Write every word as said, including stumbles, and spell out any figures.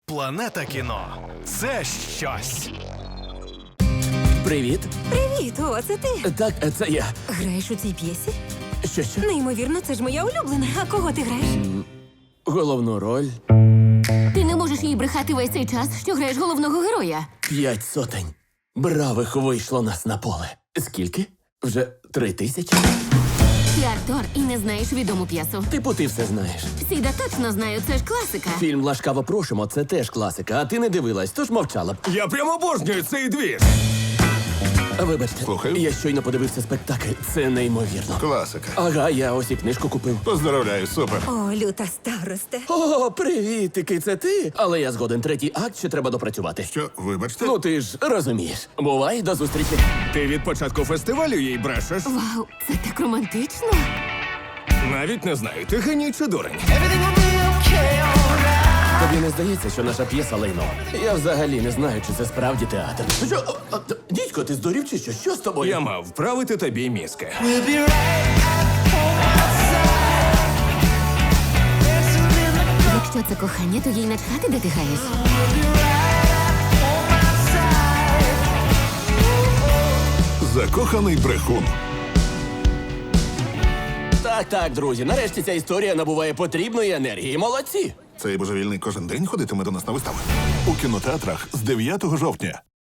Планета кіно – це щось. Привіт. Привіт, о, це ти. Так, це я. Граєш у цій п'єсі? Що, що? Неймовірно, це ж моя улюблена. А кого ти граєш? Головну роль Ти не можеш їй брехати весь цей час, що граєш головного героя. п'ять сотень. Бравих вийшло нас на поле. Скільки? Вже три тисячі? Ти актор і не знаєш відому п'єсу. Типу, ти все знаєш. Сіда точно знаю, це ж класика. Фільм «Ласкаво просимо» – це теж класика, а ти не дивилась, тож мовчала б. Я прямо обожнюю цей двір. Вибачте, Слухаю. я щойно подивився спектакль. Це неймовірно. Класика. Ага, я ось і книжку купив. Поздравляю, супер. О, люта старосте. О, привітики, це ти? Але я згоден, третій акт ще треба допрацювати. Що, вибачте? Ну ти ж розумієш. Бувай, до зустрічі. Ти від початку фестивалю їй брешеш? Вау, це так романтично. Навіть не знаю, ти геній чи дурень. Тобі не здається, що наша п'єса лайно? Я взагалі не знаю, чи це справді театр. Що? О, о, Дідько, ти здурів чи що? Що з тобою? Я мав вправити тобі мізки. Якщо це кохання, то їй начхати, де ти граєш. Закоханий брехун. Так, так, друзі, нарешті ця історія набуває потрібної енергії. Молодці! Цей божевільний кожен день ходитиме до нас на вистави. У кінотеатрах з дев'ятого жовтня.